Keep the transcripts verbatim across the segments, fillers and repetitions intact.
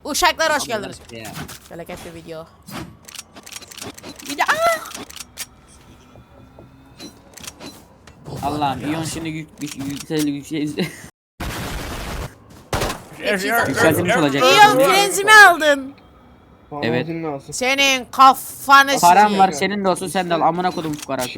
Uşaklar hoş geldiniz. Felaket bir video. Bir de Allah'ım İyon şimdi yük, yük, yüksel yüksel Yükseltmiş yükseltilmiş olacak. İyon prensimi aldın. Evet. Senin kafanı Param sikeyim. var senin de olsun sen de al amına kodum şu parası.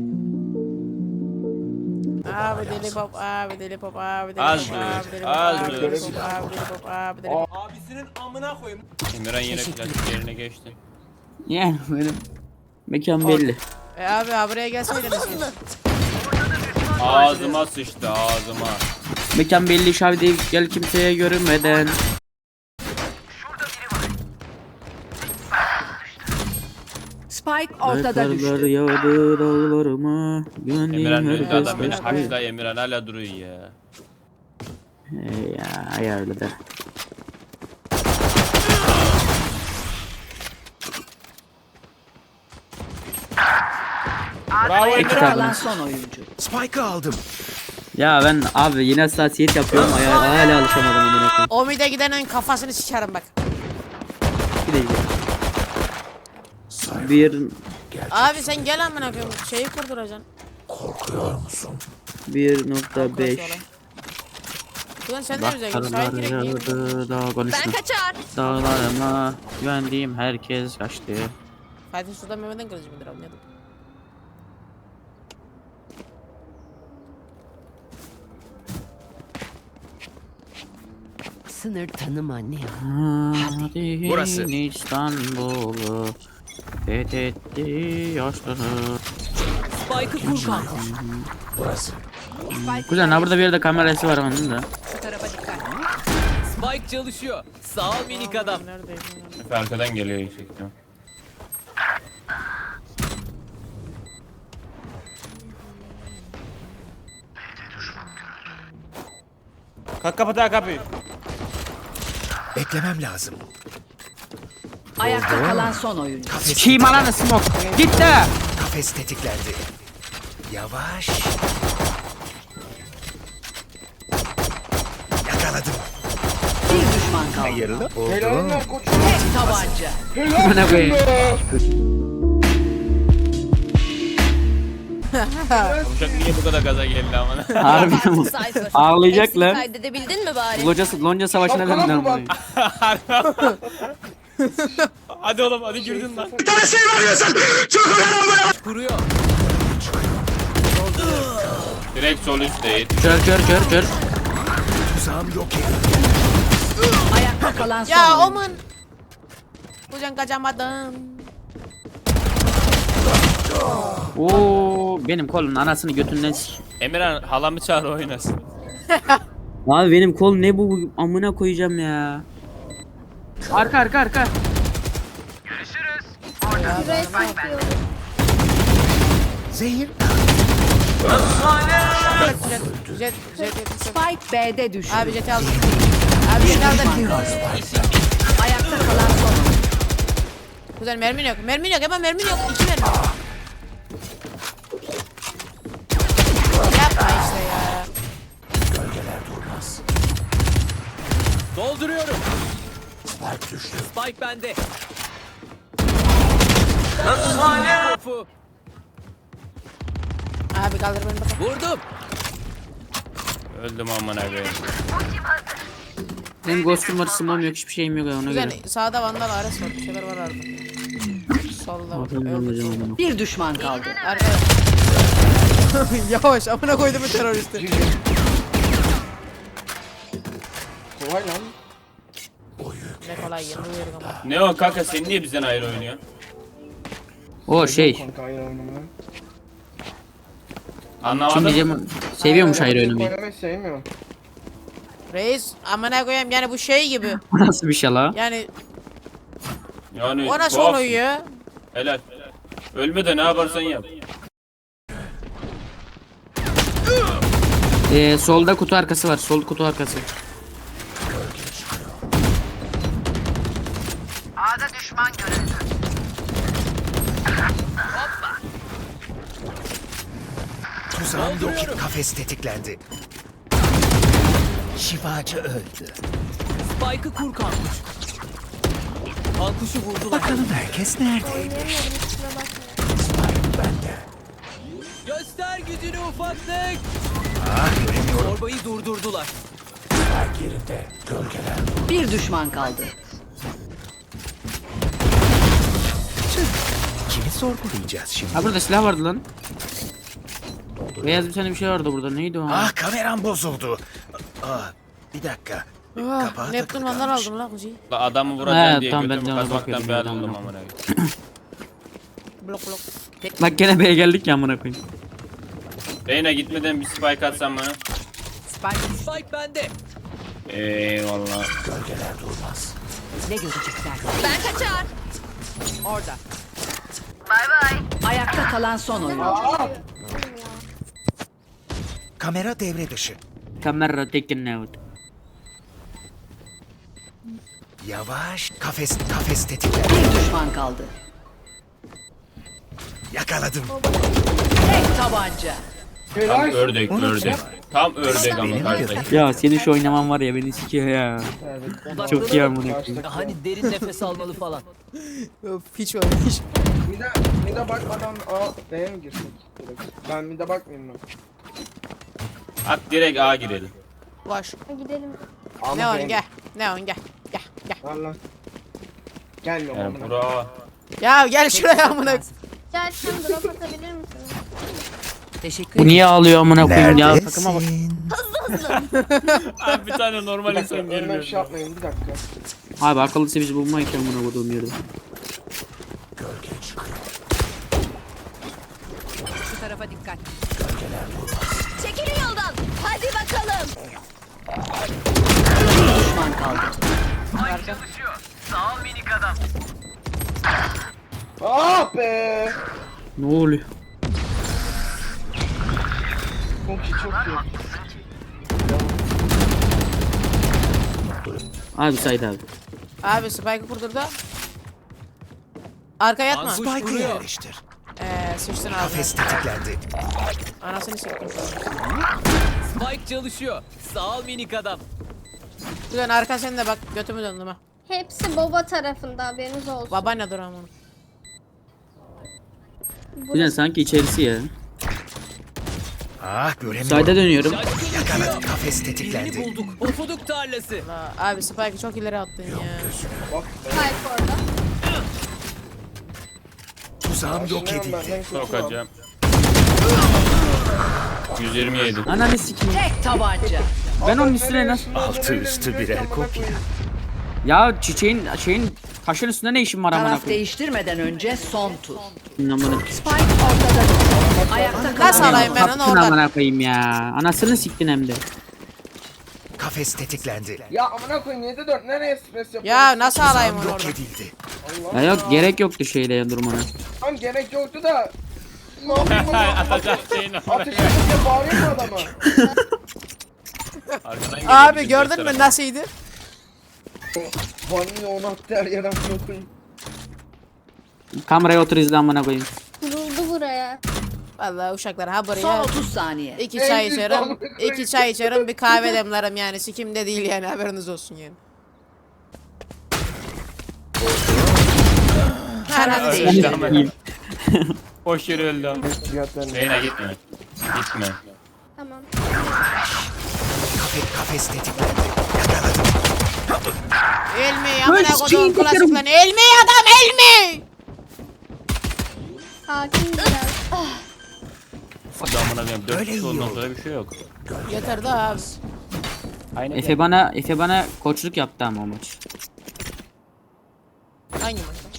Abi deli pop, abi deli pop, abi deli Az pop, dur, abi deli pop, az abi dur. deli pop, abi deli pop, abi deli pop. Abisinin amına koyayım. Emirhan yine plastik yerine geçti. Yani benim mekan belli. E abi abi buraya gelseydiniz siz. Ağzıma sıçtı ağzıma. Mekan belli şavi değil gel kimseye görünmeden. Spike ortada Ayaklar düştü. yağdı dağlarıma. Güvendiğim Emirhan öldü herkes adam beni kaçtı. haşla Emirhan hala duruyor ya. Hey ya ayarladı. Bravo İki Emirhan. tane. Kalan son oyuncu. Spike'ı aldım. Ya ben abi yine hassasiyet yapıyorum ayağa hala alışamadım amına koyayım. O mide gidenin kafasını sikerim bak. Bir de gidelim. Bir Abi sen gel amına koyayım. Şeyi kurduracaksın. bir nokta beş. Ulan sen de bize gel. Sahip Dağlar direkt yiyin. yağdı dağ konuşma. Kaçar. Dağlarıma güvendiğim herkes kaçtı. Fatih Sultan Mehmet'in kılıcı mıdır abi ne dedim? Sınır tanıma ne? Hadi Burası. İstanbul'u fethetti yaşları. Spike'ı kur kanka. Kuzen ha burada bir yerde kamerası var onun da. Şu tarafa dikkat. Spike çalışıyor. Sağ ol minik adam. Neredeyim? Efe arkadan geliyor yüksekten. Kalk kapat ha kapıyı. Beklemem lazım. Ayakta kalan son oyuncu. Kafes, Kim alanı smoke. Gitti. kafes tetiklendi. Yavaş. Yakaladım. Bir düşman kaldı. Hayırlı oldu. Tek tabanca. Bana koyayım. Uçak niye bu kadar gaza geldi amına? Harbi mi? Ağlayacak lan. Kaydedebildin mi bari? Lonca, lonca savaşına döndüler bunu. Hadi oğlum hadi girdin lan. Kuruyor. Direkt sol üst değil. Kör kör kör kör. Tuzağım yok edildi. Ayakta kalan son Ya oyuncu. omun. Kuzen kaçamadım. Oo benim kolun anasını götünden sik. Emirhan halamı çağır oynasın. Abi benim kol ne bu amına koyacağım ya. Arka arka arka. Zehir. Jet, jet, jet, jet. Spike B'de düştü. Abi jeti aldım. Abi jeti aldım. Ayakta kalan son oyuncu. Kuzen mermin yok. Mermin yok hemen mermin yok. İki mermi. Yapma işte ya. Dolduruyorum. Spike düştü. Spike bende. Topu. Abi kaldır beni bakalım. Vurdum. Öldüm amına koyayım. Benim ghostum var smoke'um yok hiçbir şeyim yok ona Kuzen göre. sağda Vandal Ares var. Bir şeyler var orada. Solda bak. Bakalım ne Öldü. olacak amına. Bir düşman kaldı. Arka. Yavaş amına koydum bu teröristi. Kolay lan. Ne kolay yanılıyorum ama. Ne o kanka sen niye bizden ayrı oynuyorsun? O şey. Kanka ayrı oynamaya. Anlamadım. Kim diyeceğim seviyormuş ayrı oynamayı. Oynamayı sevmiyorum. Reis amına koyayım yani bu şey gibi. Bu nasıl bir şey la? Yani Yani o nasıl tuhaf. oluyor? Helal. Ölme de ne yaparsan yap. Ee, solda kutu arkası var. Sol kutu arkası. Tuzağım yok edildi. Kafes tetiklendi. Şifacı öldü. Spike'ı kur kanka. kuşu vurdular. Bakalım herkes neredeymiş? Oynayamıyorum kusura bakma. Göster gücünü ufaklık. Ah göremiyorum. Zorbayı durdurdular. Bir düşman kaldı. Kimi sorgulayacağız şimdi? Ha burada silah vardı lan. Beyaz bir tane bir şey vardı burada. Neydi o? Ah kameram bozuldu. Ah bir dakika. Ah, Kapağı Neptun takılı vanlar kalmış. aldım lan kuzi. La adamı vuracağım He, diye tamam, ben götümü de ona kazmaktan bakıyordum bir ya, ayrıldım tamam. amına koyayım. Blok blok. Bak gene B'ye geldik ya amına koyayım. Reyna gitmeden bir spike atsan bana. Spike Spike bende. Eyvallah. ne görecekler? Ben kaçar. Orada. Bay bay. Ayakta kalan son oyuncu. Kamera devre dışı. Kamera taken out. Yavaş. Kafes kafes tetiklendi. Bir düşman kaldı. Yakaladım. Tek tabanca. Tam Helal. ördek Onu ördek. Tam ördek ama Benim karşıdaki. Ya senin şu oynaman var ya beni sikiyor ya. Evet. Çok iyi amına koyayım. Karşıdaki- Hani derin nefes almalı falan. Öf, hiç öyle hiç. Bir de bir de bakmadan A B'ye mi girsek? Direkt. Ben bir de bakmayayım mı? At direkt A girelim. Boş. Gidelim. Ama Ne on B'ye- gel. Ne on gel. Gel gel. Allah. Gelme Yani oğlum. bura. Ya gel şuraya amına. Gel sen drop atabilir misin? Teşekkür Bu niye ağlıyor amına koyayım ya? Takıma bak. Neredesin? Abi bir tane normal Bir dakika insan önüme bir geliyor. şey yapmayın bir dakika. Abi akıllısı biz bulmayken amına koyduğum yerde. Şu tarafa dikkat. Çekilin yoldan. Hadi bakalım. Bir düşman kaldı. Ah be! Ne oluyor? Çok iyi çok iyi. Abi Said abi. Abi Spike'ı kurdurdu. Arkaya yatma. Kuş Spike'ı vuruyor. yerleştir. Eee sıçtın abi. Kafes tetiklendi. Anasını siktim. Spike çalışıyor. Sağ ol minik adam. Ulan arka sen de bak götümü döndüm ha. Hepsi baba tarafında haberiniz olsun. Baba ne dur amına. Güzel sanki içerisi ya. Ah göremiyorum. Said'e dönüyorum. Yakaladım. Kafes Birini tetiklendi. bulduk. Pofuduk tarlası. La, abi Spike'ı çok ileri attın ya. Bak. Hayır orada. Tuzağım yok Aşınıyorum edildi. benden kurtulamam. Sokacağım. yüz yirmi yedi. Ananı sikeyim. Tek tabanca. Ben onun üstüne nasıl... Altı üstü birer kopya. Ya çiçeğin şeyin taşın üstünde ne işin var amına Taraf koyayım? değiştirmeden önce son tur. Amına Spike ortada. Ayakta kalan Nasıl alayım ben onu Kaptın oradan? amına koyayım ya. Anasını siktin hem de. Kafes tetiklendi. Ya amına koyayım yedi dört nereye stres yapıyorsun? Ya nasıl alayım Tuzağım onu yok oradan? edildi. Allah Ya yok gerek yoktu şeyle ya durmana. Tam gerek yoktu da. Ne yapayım bunu? Atacak şeyini. Ateş edince bağırıyor mu adama? Arkadan geliyor Abi bizim gördün gösteren. mü nasılydı? Vanilya onu attı her yere amına koyayım. Kameraya otur izle amına koyayım. Kuruldu buraya. Vallahi uşaklar ha son buraya otuz saniye. iki çay En içerim, güzel koyayım. iki çay içerim, bir kahve demlerim yani sikimde değil yani haberiniz olsun yani. Taraf Ananı Öyle değiştirdi. ama. Boş yere öldü ama. Cihat ben Reyna gitme. Gitme. Tamam. Kafes, kafes tetiklendi. Yakaladım. Elmi amına koduğum klasiklerini. Elmi adam elmi! Sakin biraz. Ah, Adamına koyayım. Dört Öyle kişi iyi ondan oldu. sonra bir şey yok. Yeter daha abi. Aynen. Efe bana Efe bana koçluk yaptı ama o maç. Hangi maç lan?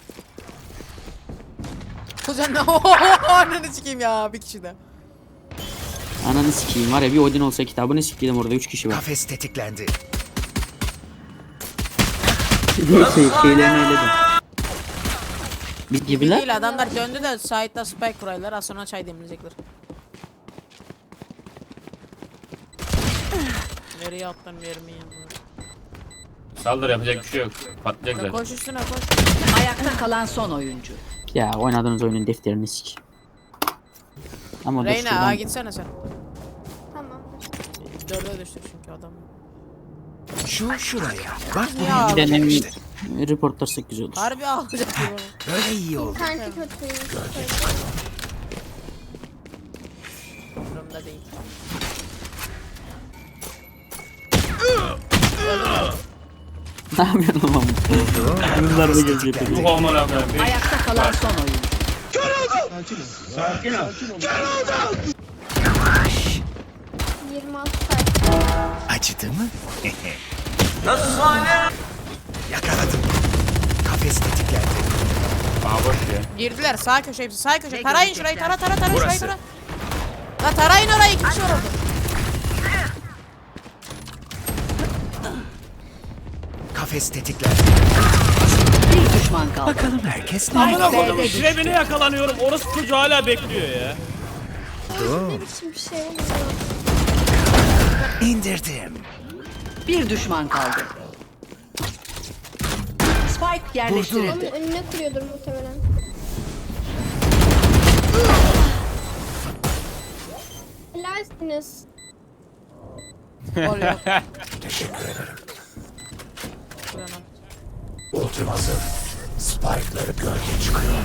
Kuzen ne ananı sikeyim ya bir kişi de. Ananı sikeyim var ya bir Odin olsa kitabını sikeyim orada üç kişi var. Kafes tetiklendi. şey, şeylerini öyle de. Bir gibiler. Değil adamlar döndü de site'da spike kuraylar az sonra çay demleyecekler. Nereye attın vermeyi? Saldır yapacak bir şey yok. Patlayacaklar. Koş üstüne koş. Ayakta kalan son oyuncu. Ya oynadığınız oyunun defterini sik. Ama dur Reyna şuradan- ağa gitsene sen. tamam. Dörde düştü çünkü adam. Şu şuraya. Bak Ya. buraya Denemin- işte. Reportlarsak güzel olur. Harbi ağlayacak gibi oldu. Böyle iyi oldu. İnterneti kötüymüş. Durumda değil. Ne yapıyorsun lan? Bunlar da gelecek. Bu amına koyayım. Beş- Ayakta kalan son oyun. yirmi altı sayfa. Acıdı mı? Yakaladım. Kafes tetiklendi. Aa boş ya. Girdiler sağ köşe hepsi sağ köşe. Tarayın şurayı tara tara tara şurayı Burası. tara. La tarayın orayı iki kişi var orada. Kafes tetiklendi. Bir düşman kaldı. Bakalım herkes ne? Amına koydum işlevine yakalanıyorum. Orası çocuğu hala bekliyor ya. Ne biçim bir şey oluyor? İndirdim. Bir düşman kaldı. Spike yerleştirildi. Onun önüne kırıyordur muhtemelen. Helalsiniz. Oluyor. Teşekkür ederim. Uyanın. Ultim hazır. Spike'ları gölge çıkıyor.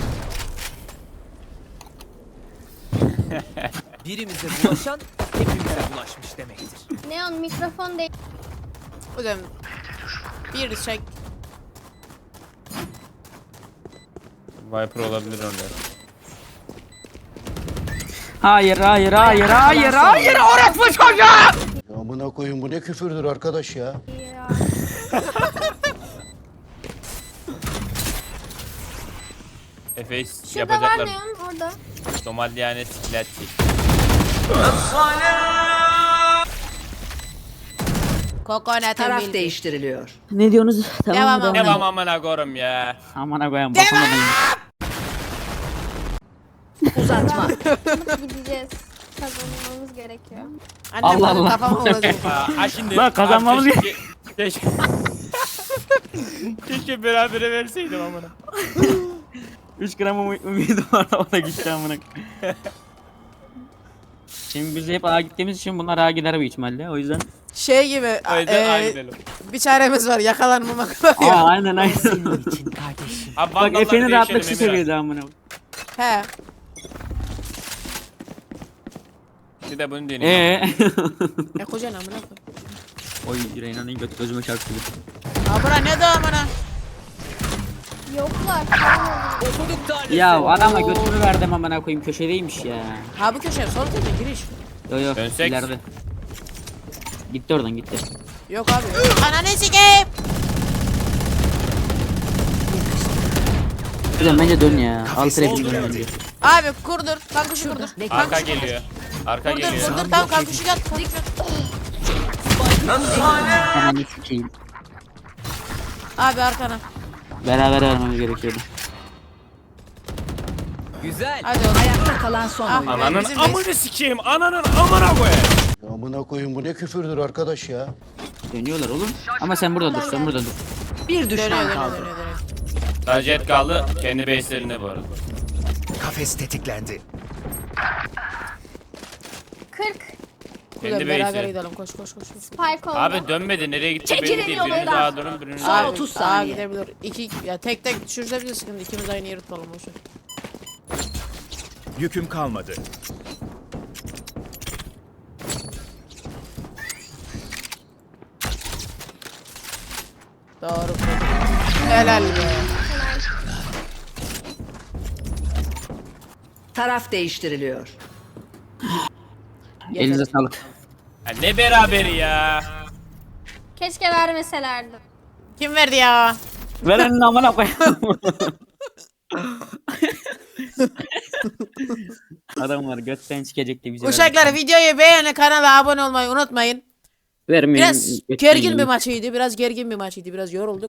Birimize bulaşan hepimize bulaşmış demektir. Neon mikrofon değil. Hocam bir çek. Viper olabilir orada. Hayır hayır hayır hayır hayır orospu çocuğu. Amına koyun bu ne küfürdür arkadaş ya. Ya. Efes Şurada var yapacaklar. Neon orada. Somalyane sikletçi. Kokonat Taraf milk. değiştiriliyor. Ne diyorsunuz? Tamam Devam, mı? devam. Devam amına koyayım ya. Aman koyayım. Bakamadım. Uzatma. Gideceğiz. Kazanmamız gerekiyor. Annem Allah benim Allah. kafama vuracak. Aa, ha şimdi. Lan kazanmamız Abi keşke- Keşke. Keşke berabere verseydim amına. üç gram ümit- ümidim var o da gitti amına. Şimdi biz hep A gittiğimiz için bunlar A gider büyük ihtimalle. O yüzden. Şey gibi O yüzden e, aynı gidelim. bir çaremiz var yakalanmamak var Aa ya. aynen aynen. Abi Bak vandallar Efe'nin değişelim rahatlık şu Emirhan. seviyede amına. He. Bir de bunu deneyim. Eee. E kocan amına koy. Oy Reyna'nın götü gözüme çarptı. Ha bura ne de amına. Yoklar. Okuduk tanesi. Ya adama götümü verdim amına koyayım köşedeymiş ya. Ha bu köşe sol köşe giriş. Yo yo Dönsek. ileride. Gitti oradan gitti. Yok abi. Yok. Ananı sikeyim. Güzel bence dön ya. Al Kafes trap'i dön tetiklendi. bence. Abi kurdur. Kankuşu kurdur. Arka Kankuşu geliyor. Arka Kurdur geliyor. kurdur tamam kankuşu yat. Kankuşu yat. Hemen sikeyim. Abi arkana. Beraber vermemiz gerekiyordu. Güzel. Hadi oğlum. Ayakta kalan son Ah, oyun. Ananın bizim amını sikeyim. Ananın amına koyayım. Amına koyun bu ne küfürdür arkadaş ya. Dönüyorlar oğlum. Ama sen burada dur sen burada dur. Bir Dönüyor düşman dönüyor kaldı. dönüyor dönüyor. Sadece et kaldı. Kendi base'lerinde bu arada. Kafes tetiklendi. kırk. Kendi Kuzen beraber base'i. gidelim koş koş koş. Spike oldu. Abi dönmedi. Nereye gitti Çekilin belli değil. Biriniz yolundan. daha durun. Biriniz Son daha. otuz Aa saniye. gidebilir. İki ya tek tek düşürse bize sıkıntı. İkimiz aynı yeri tutalım boşver. Yüküm kalmadı. Doğru. Helal be. Taraf değiştiriliyor. Elinize sağlık. Ya ne beraberi ya. Keşke vermeselerdi. Kim verdi ya? Verenin amına koyayım. Adamlar götten sikecek de bizi. Uşaklar videoyu beğeni kanala abone olmayı unutmayın. Vermeyin. Biraz gergin bir maçıydı. Biraz gergin bir maçıydı. Biraz yorulduk.